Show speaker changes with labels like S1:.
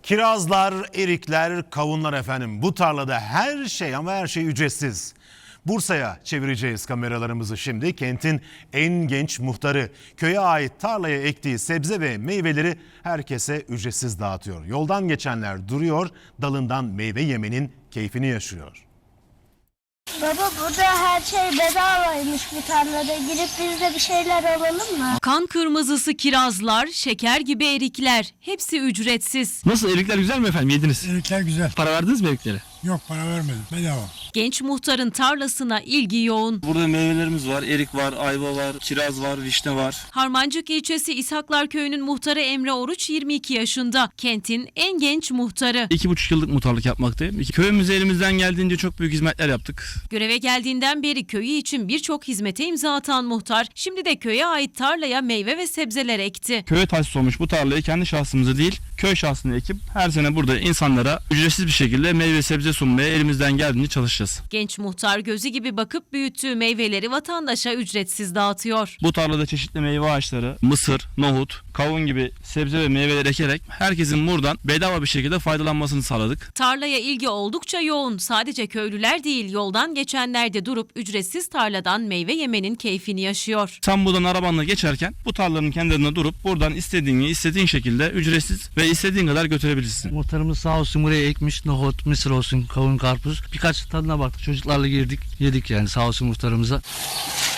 S1: Kirazlar, erikler, kavunlar efendim. Bu tarlada her şey ama her şey ücretsiz. Bursa'ya çevireceğiz kameralarımızı şimdi. Kentin en genç muhtarı köye ait tarlaya ektiği sebze ve meyveleri herkese ücretsiz dağıtıyor. Yoldan geçenler duruyor, dalından meyve yemenin keyfini yaşıyor.
S2: Baba burada her şey bedavaymış bu tarlada. Girip biz de bir şeyler alalım mı?
S3: Kan kırmızısı kirazlar, şeker gibi erikler hepsi ücretsiz.
S4: Nasıl, erikler güzel mi efendim, yediniz?
S5: Erikler güzel.
S4: Para verdiniz mi eriklere?
S5: Yok, para vermedim. Bedava.
S3: Genç muhtarın tarlasına ilgi yoğun.
S6: Burada meyvelerimiz var. Erik var, ayva var, kiraz var, vişne var.
S3: Harmancık ilçesi İshaklar Köyü'nün muhtarı Emre Oruç 22 yaşında. Kentin en genç muhtarı.
S4: 2,5 yıllık muhtarlık yapmaktayım. Köyümüze elimizden geldiğince çok büyük hizmetler yaptık.
S3: Göreve geldiğinden beri köyü için birçok hizmete imza atan muhtar, şimdi de köye ait tarlaya meyve ve sebzeler ekti.
S4: Köye tahsis olmuş bu tarlayı kendi şahsımıza değil, köy şahsını ekip her sene burada insanlara ücretsiz bir şekilde meyve sebze sunmaya elimizden geldiğince çalışacağız.
S3: Genç muhtar gözü gibi bakıp büyüttüğü meyveleri vatandaşa ücretsiz dağıtıyor.
S4: Bu tarlada çeşitli meyve ağaçları, mısır, nohut, kavun gibi sebze ve meyveler ekerek herkesin buradan bedava bir şekilde faydalanmasını sağladık.
S3: Tarlaya ilgi oldukça yoğun. Sadece köylüler değil, yoldan geçenler de durup ücretsiz tarladan meyve yemenin keyfini yaşıyor.
S4: Sen buradan arabanla geçerken bu tarlanın kenarında durup buradan istediğin şekilde ücretsiz ve istediğin kadar götürebilirsin.
S7: Muhtarımız sağ olsun buraya ekmiş, nohut, mısır olsun, kavun, karpuz. Birkaç tadına baktık, çocuklarla girdik, yedik yani, sağ olsun muhtarımıza.